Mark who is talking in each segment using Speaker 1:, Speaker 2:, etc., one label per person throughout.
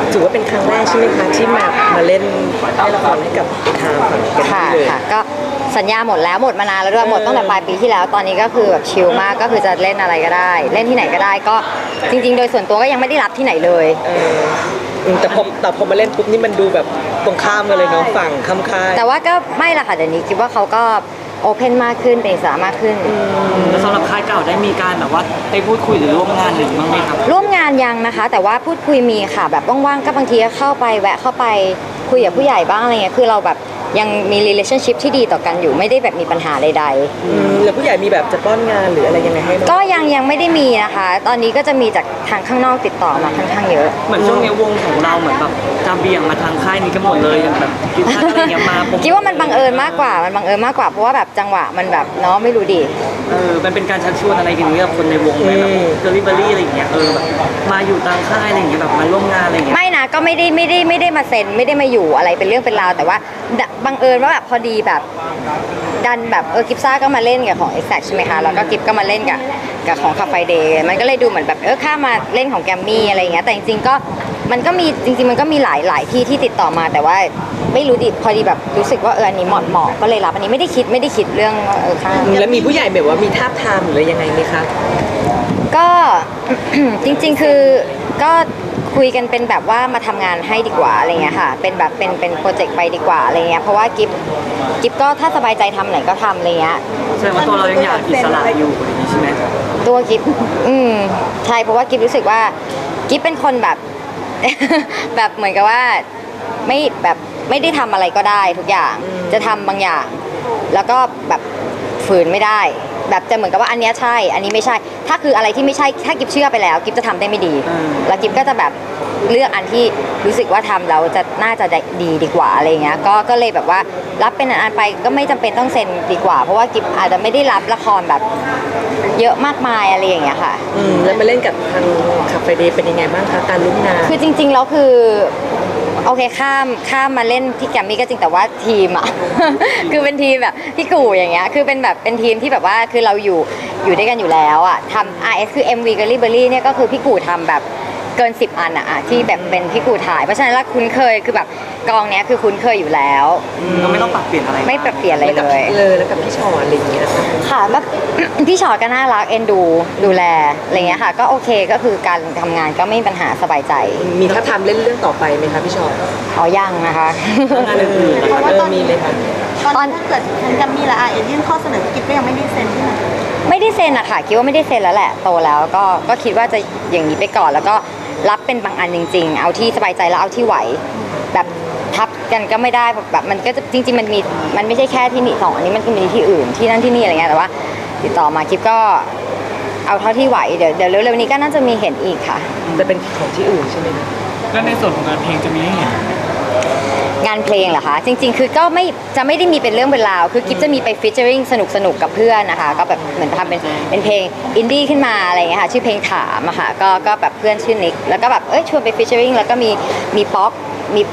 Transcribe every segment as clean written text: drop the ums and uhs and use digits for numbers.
Speaker 1: ถือว่าเป็นครั้งแรกใช่ไหมคะที่มาเล่นละครให้กับทางฝั่งแกรม
Speaker 2: ค่ะ
Speaker 1: มี่เลย
Speaker 2: ค่ะก็สัญญาหมดแล้วหมดมานานแล้วด้วยหมดตั้งแต่ปลายปีที่แล้วตอนนี้ก็คือแบบชิลมากก็คือจะเล่นอะไรก็ได้ เล่นที่ไหนก็ได้ก็จริงๆ โดยส่วนตัวก็ยังไม่ได้รับที่ไหนเลย
Speaker 1: แต่พอมาเล่นปุ๊บนี่มันดูแบบตรงข้ามกันเลยเนาะฝั่งข้ามค่าย
Speaker 2: แต่ว่าก็ไม่ละค่ะเดี๋ยวนี้คิดว่าเขาก็โอเพนมากขึ้นเป็นอิสระมากขึ้น
Speaker 3: แล้วสำหรับค่ายเก่าได้มีการแบบว่าไปพูดคุยหรือร่วมงานหรือบ้างไหมครับ
Speaker 2: ร่วมงานยังนะคะ แต่ว่าพูดคุยมีค่ะแบบว่างๆก็บางทีก็เข้าไปแวะเข้าไปคุยกับผู้ใหญ่บ้างอะไรเงี้ยคือเราแบบยังมี relationship ที่ดีต่อกันอยู่ไม่ได้แบบมีปัญหาใดๆ
Speaker 1: แล้วผู้ใหญ่มีแบบจะป้อนงานหรืออะไรยังไงให้ไหม
Speaker 2: ก็ยังไม่ได้มีนะคะ ตอนนี้ก็จะมีจากทางข้างนอกติดต่อมาค่อนข้างเยอะ
Speaker 3: เหมือนช่วงนี้วงของเราเหมือนแบบจะเบี่ยงมาทางค่ายนี้กันหมดเลยอย่างแบบคิดว่าอะไรเงี้ยมาผม
Speaker 2: คิดว่ามันบังเอิญมากกว่าเพราะว่าแบบจังหวะมันแบบเนาะไม่รู้ดิ
Speaker 3: มันเป็นการชักชวนอะไรกันเนี่ยกับคนในวงไหมแบบเดลิเวอรี่อะไรอย่างเงี้ยแบบมาอยู่ตามค่ายอะไรอย่างเงี้ยแบบมาร่วมงานอะไรอย่างเงี้ย
Speaker 2: ไม่นะก็ไม่ได้มาเซ็นไม่ได้มาอยู่อะไรเป็นเรื่องเป็นราวแต่ว่าบังเอิญว่าแบบพอดีแบบดันแบบกิฟซ่าก็มาเล่นกับของ Exact ใช่ไหมคะแล้วก็กิฟก็มาเล่นกับของคาเฟ่เดย์มันก็เลยดูเหมือนแบบข้ามาเล่นของแกมมี่อะไรอย่างเงี้ยแต่จริงๆก็มันก็มีหลายที่ที่ติดต่อมาแต่ว่าไม่รู้ดิพอดีแบบรู้สึกว่าอันนี้เหมาะก็เลยรับอันนี้ไม่ได้คิดเรื่องว่าค่า
Speaker 1: แล้วมีผู้ใหญ่แบบว่ามีทาบทามหรืออะไรยังไงไหมคะ
Speaker 2: ก็ จริงๆคือก็คุยกันเป็นแบบว่ามาทำงานให้ดีกว่าอะไรเงี้ยค่ะเป็นแบบเป็นโปรเจกต์ไปดีกว่าอะไรเงี้ยเพราะว่ากิฟก็ถ้าสบายใจทำไหนก็ทำอะไรเงี้ย
Speaker 3: แสดงว่าตัวเรายังอยากอิสระอยู่อะไรอย่างงี้ใช่ไหม
Speaker 2: ตัวกิฟใช่เพราะว่ากิฟรู้สึกว่ากิฟเป็นคนแบบ แบบเหมือนกับว่าไม่ได้ทำอะไรก็ได้ทุกอย่างจะทำบางอย่าง แล้วก็แบบฝืนไม่ได้ แบบจะเหมือนกับว่าอันเนี้ยใช่อันนี้ไม่ใช่ ถ้าคืออะไรที่ไม่ใช่ถ้ากิฟเชื่อไปแล้วกิฟจะทำได้ไม่ดี แล้วกิฟก็จะแบบเลือกอันที่รู้สึกว่าทำแล้วจะน่าจะดีกว่าอะไรเงี้ยก็เลยแบบว่ารับเป็นอันไปก็ไม่จำเป็นต้องเซ็นดีกว่า เพราะว่ากิฟอาจจะไม่ได้รับละครแบบเยอะมากมายอะไรอย่างเงี้ยค่ะ
Speaker 1: แล้วมาเล่นกับทางคาเฟ่เดย์เป็นยังไงบ้างคะการร่วมงาน
Speaker 2: คือจริงๆแล้วคือโอเคข้ามมาเล่นที่แกรมมี่ก็จริงแต่ว่าทีมอ่ะ คือเป็นทีมแบบพี่กู่อย่างเงี้ยคือเป็นแบบเป็นทีมที่แบบว่าคือเราอยู่ด้วยกันอยู่แล้วอ่ะทำ RS คือ MV กับ r i b e r y เนี่ยก็คือพี่กู่ทำแบบเกิน10อันอะที่แบบเป็นพี่กู่ถ่ายเพราะฉะนั้นแล้วคุ้นเคยคือแบบกองเนี้ยคือคุ้นเคยอยู่แล้ว
Speaker 3: ก็ไม่ต้องปรับเปลี่ยนอะไร
Speaker 2: ไม่ปรับเปลี่ยนอะไรเลย
Speaker 1: แล้วกับพี่ชอนอะไรอย่างเงี้ยค่ะ
Speaker 2: ค่ะแบบ พี่ชอตก็น่ารักเอ็นดูแลอะไรเงี้ยค่ะก็โอเคก็คือการทำงานก็ไม่มีปัญหาสบายใจ
Speaker 1: มีท้าบทามเล่นเรื่องต่อไปไหมคะพี่ชอน
Speaker 2: อ๋อยังนะคะ
Speaker 3: งานอื่นๆนะครับ
Speaker 1: มีเลยค่ะ
Speaker 4: ตอนถ้าเกิดทางแกรมมี่และอายื่นข้อเสนอกิฟก็ยังไม่ได้เซ็นใช่ไหม
Speaker 2: ไม่ได้เซ็นอะค่ะคิดว่าไม่ได้เซ็นแล้วแหละโตแล้วก็คิดว่าจะอย่างนี้ไปก่อนแล้วก็รับเป็นบางอันจริงๆ เอาที่สบายใจแล้วเอาที่ไหวแบบทับกันก็ไม่ได้แบบมันก็จะจริงๆมันไม่ใช่แค่ที่นี่สองอันนี้มันก็มีที่อื่นที่นั่นที่นี่อะไรเงี้ยแต่ว่าติดต่อมาคิดก็เอาเท่าที่ไหวเดี๋ยวเร็วๆนี้ก็น่าจะมีเห็นอีกค่ะ
Speaker 1: จะเป็นของที่อื่นใช่ไหมคะ
Speaker 3: แล้วในส่วนของงานเพลงจะมีให้เห็น
Speaker 2: งานเพลงเหรอคะจริงๆ คือก็ไม่ได้มีเป็นเรื่องเป็นราวคือกิฟจะมีไปฟีเจอริงสนุกกับเพื่อนนะคะก็แบบเหมือนทำเป็นเพลงอินดี้ขึ้นมาอะไรอย่างเงี้ยค่ะชื่อเพลงถามอะค่ะก็แบบเพื่อนชื่อนิกแล้วก็แบบชวนไปฟีเจอริงแล้วก็มีป๊อก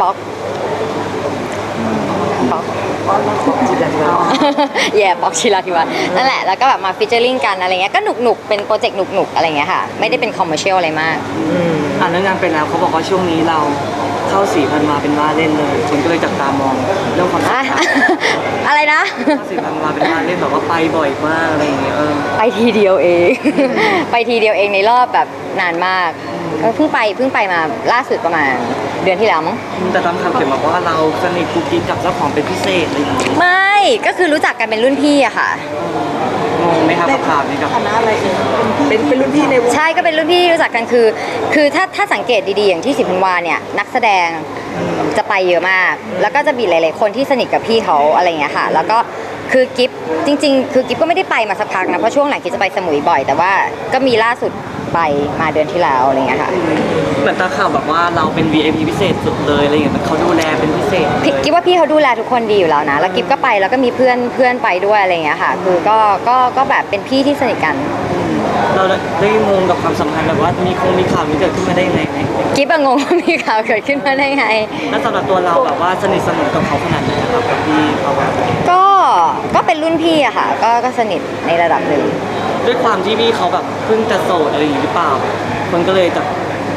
Speaker 1: จิตใจเรา
Speaker 2: แย่ป๊อกชิลาธิวัฒน์นั่นแหละแล้วก็แบบมาฟีเจอริงกันอะไรเงี้ยก็หนุกเป็นโปรเจกต์หนุกอะไรเงี้ยค่ะไม่ได้เป็นคอมเมอร์เชียลอะไรมาก
Speaker 3: เรื่องงานไปแล้วเขาบอกว่าช่วงนี้เราเข้า4,000 มาเป็นว่าเล่นเลยคนก็เลยจับตามองเรื่องความสัม
Speaker 2: อะ
Speaker 3: พันธ์
Speaker 2: อะไรนะ
Speaker 3: 4,000 มาเป็นว่าเล่นแบบว่าไปบ่อยมากอะไรอย่างเงี้ย
Speaker 2: ไปทีเดียวเอง ไปทีเดียวเองในรอบแบบนานมากก็เพิ่งไปมาล่าสุดประมาณเดือนที่แล้วมั้ง
Speaker 3: แต่ตามคำเขียนบอกว่าเราสนิทกุ๊กกิ๊กกับเจ้าของเป็นพิเศษอะไรอย่างเงี้ย
Speaker 2: ไม่ก็คือรู้จักกันเป็นรุ่นพี่อะค่ะ
Speaker 3: งงไหมครับกับข่าวนี้กับ
Speaker 4: ฐานะอะไรเอ่ย
Speaker 1: เป็นรุ่นพี่ในวง
Speaker 2: ใช่ก็เป็นรุ่นพี่ที่รู้จักกันคือถ้าสังเกตดีๆอย่างที่สิพันวาเนี่ยนักแสดงจะไปเยอะมาก แล้วก็จะมีหลายๆคนที่สนิทกับพี่เขาอะไรอย่างเงี้ยค่ะ แล้วก็คือกิฟจริงๆคือกิฟก็ไม่ได้ไปมาสักพักนะเพราะช่วงหลังกิฟจะไปสมุยบ่อย แต่ว่าก็มีล่าสุดไปมาเดือนที่แล้วอะไรอย่างเงี้ยค่ะ
Speaker 3: เหมือนตาข่าวแบบว่าเราเป็น VIP พิเศษสุดเลยอะไรอย่างเงี้ยเขาดูแลเป็นพิเศษ
Speaker 2: กิฟว่าพี่เขาดูแลทุกคนดีอยู่แล้วนะแล้วกิฟก็ไปแล้วก็มีเพื่อนไปด้วยอะไรอย่างเงี้ยค่ะ คือก็แบบเป็นพี่ที่สนิทกัน
Speaker 3: เราได้งงกับความสัมพันธ์แบบว่ามีข่าวนี้เกิดขึ้นมาได้ยังไงไหม
Speaker 2: กิฟงงว่ามีข่าวเกิดขึ้นมาได้ไง
Speaker 3: แล้วสำหรับตัวเราแบบว่าสนิทสนมกับเขาขนาดไหนนะครับกับพี่เขาอะ
Speaker 2: ก็เป็นรุ่นพี่อะค่ะก็สนิทในระดับหนึ่ง
Speaker 3: ด้วยความที่พี่เขาแบบเพิ่งจะโสดอะไรอย่างงี้หรือเปล่าคนก็เลยจะ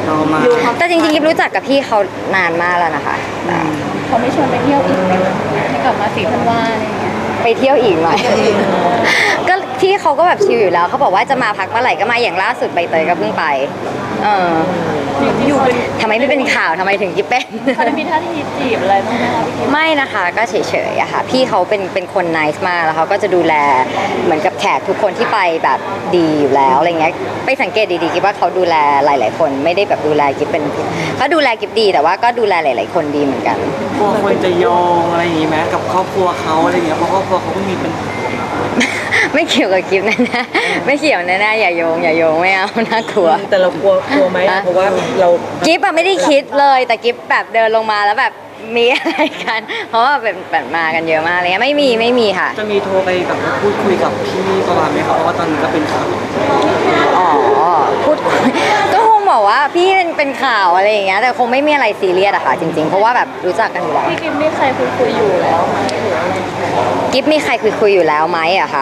Speaker 3: เรามา
Speaker 2: แต่จริงๆกิ๊บรู้จักกับพี่เขานานมากแล้วนะคะ
Speaker 5: เขาไม่ชวนไปเที่ยวอีกไหมคะให้กลับมาสีธันวาอะไรอย่างเงี้ย
Speaker 2: ไปเที่ยวอีกหน่อย ก็พี่เขาก็แบบชิลอยู่แล้วเขาบอกว่าจะมาพักเมื่อไหร่ก็มาอย่างล่าสุดใบเตยก็เพิ่งไปอยู่ทำไมไม่เป็นข่าวทำไมถึงกิ๊บเป็น
Speaker 5: เขาได้มีท่าทีจีบอะไรบ้างไหมคะพี่กิ๊บ
Speaker 2: ไม่นะคะก็เฉยๆอะค่ะพี่เขาเป็นคนไนซ์มากแล้วเขาก็จะดูแลเหมือนกับแขกทุกคนที่ไปแบบดีอยู่แล้วอะไรเงี้ยไปสังเกตดีๆกิ๊บว่าเขาดูแลหลายๆคนไม่ได้แบบดูแลกิ๊บเป็นเขาดูแลกิ๊บดีแต่ว่าก็ดูแลหลายๆคนดีเหมือนกัน
Speaker 3: กลัวคนจะโยงอะไรอย่างงี้ไหมกับครอบครัวเขาอะไรอย่างเงี้ยเพราะครอบครัวเขาก็มีเป็น
Speaker 2: ไม่เกี่ยวกับกิ๊บแน่ๆไม่เกี่ยวแน่ๆอย่าโยงไม่เอาน่ากลัว
Speaker 1: แต่เรากลัวไหมเพราะว่าเรา
Speaker 2: กิ๊บอะไม่ได้คิดเลยแต่กิ๊บแบบเดินลงมาแล้วแบบมีอะไรกัน เพราะว่าแบบมากันเยอะมากอะไรเลยไม่มีค่ะ
Speaker 3: จะมีโทรไปแบบพูดคุยกับพี่ประมาณไหมครับเพราะว่าตอนนี้ก็เป็นข่าว
Speaker 2: อ๋อพูดคุยก็คงบอกว่าพี่เป็นข่าวอะไรอย่างเงี้ยแต่คงไม่มีอะไรซีเรียสอะค่ะจริงๆเพราะว่าแบบรู้จักกันอยู่แล้ว
Speaker 5: พี่กิ๊บมีใครคุยอยู่แล้วไหมหรืออะไร
Speaker 2: กิ๊บมีใครคุยอยู่แล้วไหมอะคะ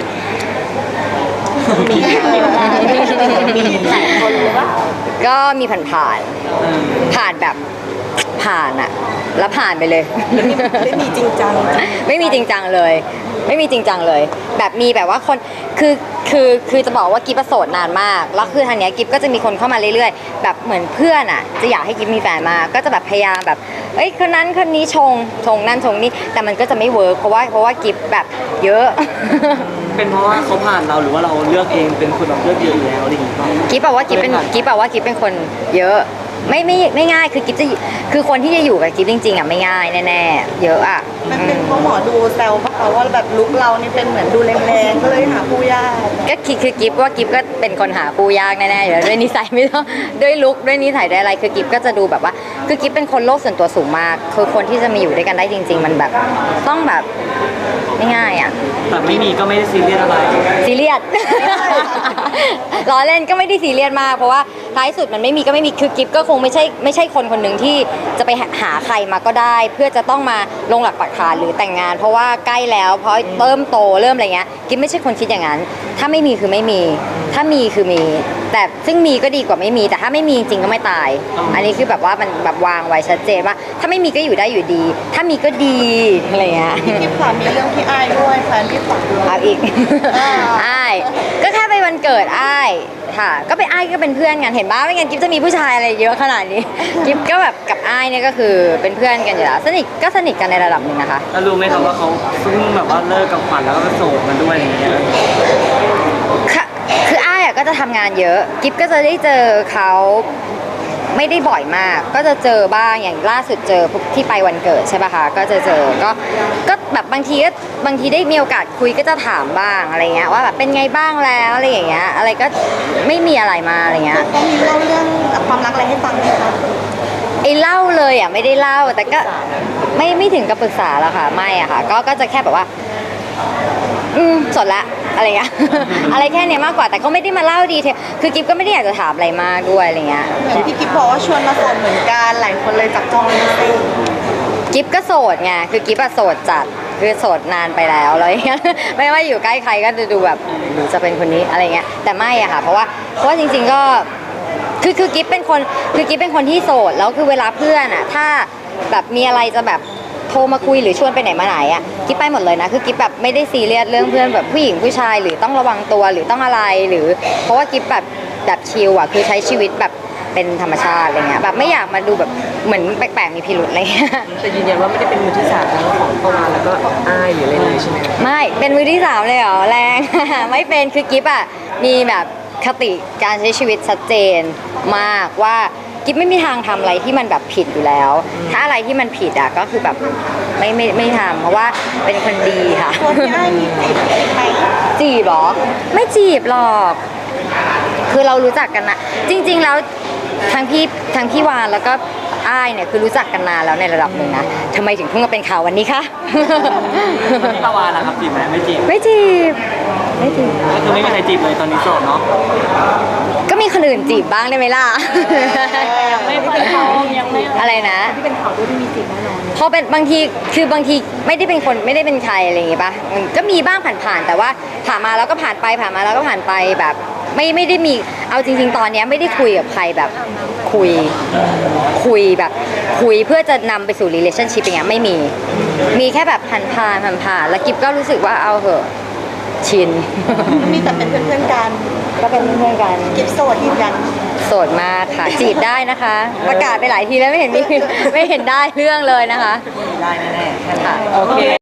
Speaker 5: มีหลายคนหรือว่า
Speaker 2: ก็มีผ่านแบบผ่านอะแล้วผ่านไปเลย
Speaker 1: ไม่มีจริงจัง
Speaker 2: ไม่มีจริงจังเลย ไม่มีจริงจังเลย แบบมีแบบว่าคนคือจะบอกว่ากิ๊บประโสดนานมากแล้วคือทางเนี้ยกิ๊บก็จะมีคนเข้ามาเรื่อยๆแบบเหมือนเพื่อนอ่ะจะอยากให้กิ๊บมีแฟนมากก็จะแบบพยายามแบบเอ้ยคนนั้นคนนี้ชงนั่นชงนี่แต่มันก็จะไม่เวิร์กเพราะว่ากิ๊บแบบเยอะ
Speaker 3: เป็นเพราะว่าเขาผ่านเราหรือว่าเราเลือกเองเป็นคนแบบเลือกเยอะอยู่แล้วอะไรอย่างเงี้ย
Speaker 2: กิ๊บบอกว่ากิ๊บเป็นคนเยอะไม่ง่ายคือกิ๊บจะคือคนที่จะอยู่กับกิ๊บจริงๆอ่ะไม่ง่ายแน่ๆเยอะอ่ะ
Speaker 4: มันเป็นเพราะหมอดูแซวปะคะว่าแบบลุกเรานี่เป็นเหมือนดูแรงๆก็เลยหาผู้ยาก
Speaker 2: ก็คือกิ๊บว่ากิ๊บก็เป็นคนหาคู่ยากแน่ๆอยู่แล้วด้วยนิสัยไม่ต้องด้วยลุคด้วยนิสัยด้วยอะไรคือกิ๊บก็จะดูแบบว่าคือกิ๊บเป็นคนโลกส่วนตัวสูงมากคือคนที่จะมาอยู่ด้วยกันได้จริง ๆ มันแบบต้องแบบไม่ง่ายอ่ะ
Speaker 3: แต่ไม่มีก็ไม่ได้ซีเรียสอะไร
Speaker 2: ซีเรียส ล้อเล่นก็ไม่ได้ซีเรียสมากเพราะว่าท้ายสุดมันไม่มีก็ไม่มีคือกิ๊บก็คงไม่ใช่คนคนหนึ่งที่จะไปหาใครมาก็ได้ เพื่อจะต้องมาลงหลักปักฐานหรือแต่งงาน เพราะว่าใกล้แล้วเพราะเริ่มโตเริ่มอะไรเงี้ยกิ๊บไม่ใช่คนคิดอย่างนั้น ถ้าไม่มีคือไม่มี ถ้ามีคือมี แต่ซึ่งมีก็ดีกว่าไม่มี แต่ถ้าไม่มีจริงก็ไม่ตาย อันนี้คือแบบว่ามันแบบวางไว้ชัดเจนว่า ถ้าไม่มีก็อยู่ได้อยู่ดี ถ้ามีก็ดีอะไรเงี้ย
Speaker 4: พี่กิ๊บค่ะมีเรื่องที่อายด้วยแฟนพี่ฝักด้วย
Speaker 2: เอาอีก อ้าย ก็แค่ไปวันเกิดอ้ายค่ะ ก็ไปอ้ายก็เป็นเพื่อนกัน เห็นบ้าไม่งั้นกิ๊บจะมีผู้ชายอะไรเยอะขนาดนี้ กิ๊บก็แบบกับอ้ายเนี่ยก็คือเป็นเพื่อนกันอยู่แล้ว สนิทกันในระดับหนึ่งนะคะ
Speaker 3: แล้วรู้ไหมครับว่าเขาเพิ่งแบบว่าเลิกกับขวัญแล้วก็โสดมาด้วยอะไรอย่างเงี้ย
Speaker 2: ค่ะคืออ้ายอะก็จะทำงานเยอะ กิ๊บก็จะได้เจอเขาไม่ได้บ่อยมาก ก็จะเจอบ้างอย่างล่าสุดเจอที่ไปวันเกิดใช่ป่ะคะก็จะเจอก็แบบบางทีได้มีโอกาสคุยก็จะถามบ้างอะไรเงี้ยว่าแบบเป็นไงบ้างแล้วอะไรอย่างเงี้ยอะไรก็ไม่มีอะไรมาอะไรเงี้ย
Speaker 4: เขามีเล่าเรื่องความรักอะไรให้ฟังไหมคะ
Speaker 2: ไอ้เล่าเลยอ่ะไม่ได้เล่าแต่ก็ไม่ถึงกับปรึกษาแล้วค่ะไม่อะค่ะก็จะแค่แบบว่าสดละอะไรเงี้ย อะไรแค่เนี้ยมากกว่าแต่ก็ไม่ได้มาเล่าดีเทลคือกิ๊บก็ไม่ได้อยากจะถามอะไรมากด้วยอะไรเงี้ย
Speaker 4: เหมือนพี่กิ๊บบอกว่าชวนมาโสดเหมือนกันหลายคนเลยจับจ้องเป็นพิเศษ
Speaker 2: กิ๊บก็โสดไงคือกิ๊บอะโสดจัดคือโสดนานไปแล้วอะไรเงี้ย ไม่ว่าอยู่ใกล้ใครก็จะดูแบบหรือจะเป็นคนนี้อะไรเงี้ยแต่ไม่อะค่ะเพราะว่าจริงๆก็คือกิ๊บเป็นคนที่โสดแล้วคือเวลาเพื่อนอะถ้าแบบมีอะไรจะแบบโทรมาคุยหรือชวนไปไหนมาไหนอะกิ๊บไปหมดเลยนะคือกิ๊บแบบไม่ได้ซีเรียสเรื่องเพื่อนแบบผู้หญิงผู้ชายหรือต้องระวังตัวหรือต้องอะไรหรือเพราะว่ากิ๊บแบบชิลอะคือใช้ชีวิตแบบเป็นธรรมชาติอะไรเงี้ยแบบไม่อยากมาดูแบบเหมือนแปลกๆมีพิรุธอะไรเงี้ย
Speaker 1: แต่ยืนยันว่าไม่ได้เป็นมือที่สามทั้งของประวานแล้วก็อ้ายหรืออะไรเลยใช่ไหม
Speaker 2: ไม่เป็นมือที่สามเลยเหรอแรง ไม่เป็นคือกิ๊บอะมีแบบคติการใช้ชีวิตชัดเจนมากว่ากิ๊บไม่มีทางทำอะไรที่มันแบบผิดอยู่แล้ว ถ้าอะไรที่มันผิดอะก็คือแบบไม่ทำเพราะว่าเป็นคนดีค่ะ
Speaker 4: ตัวพี่อ้ายมีจีบไหม
Speaker 2: จีบเหรอไม่จีบหรอกคือเรารู้จักกันนะจริง ๆ แล้วทั้งพี่วานแล้วก็อ้ายเนี่ยคือรู้จักกันนานแล้วในระดับหนึ่งนะทำไมถึงเพิ่งมาเป็นข่าววันนี้คะ
Speaker 3: พี่ประวานนะครับจีบไหมไม่จีบ
Speaker 2: ไม่จีบไม่จีบ
Speaker 3: ก็คือไม่มีใครจีบเลยตอนนี้โสดเนาะ
Speaker 2: ก็มีคนอื่นจีบบ้างได้ไหมล่ะ
Speaker 5: ไม่ค่อยพร้อมยังไม่
Speaker 2: อะไรนะ
Speaker 5: ที่เป็นข่าวด้วยที่มีจริงแน่นอน
Speaker 2: พอเป็นบางทีไม่ได้เป็นคนไม่ได้เป็นใครอะไรอย่างงี้ปะมันก็มีบ้างผ่านๆแต่ว่าผ่านมาแล้วก็ผ่านไปผ่านมาแล้วก็ผ่านไปแบบไม่ได้มีเอาจริงๆตอนเนี้ยไม่ได้คุยกับใครแบบคุยแบบคุยเพื่อจะนำไปสู่ relationship อย่างเงี้ยไม่มีแค่แบบผ่านแล้วกิฟก็รู้สึกว่าเอาเหอะชิน
Speaker 4: มีแต่เป็นเพื่อนๆกัน
Speaker 2: ก็เป็นเพื่อนๆกัน
Speaker 4: กิฟโสดยืนยัน
Speaker 2: โสดมากค่ะจีบได้นะคะ ประกาศไปหลายทีแล้วไม่เห็นได้เรื่องเลยนะคะ
Speaker 4: ได้แน่ๆ
Speaker 2: ค่ะ
Speaker 1: โอเค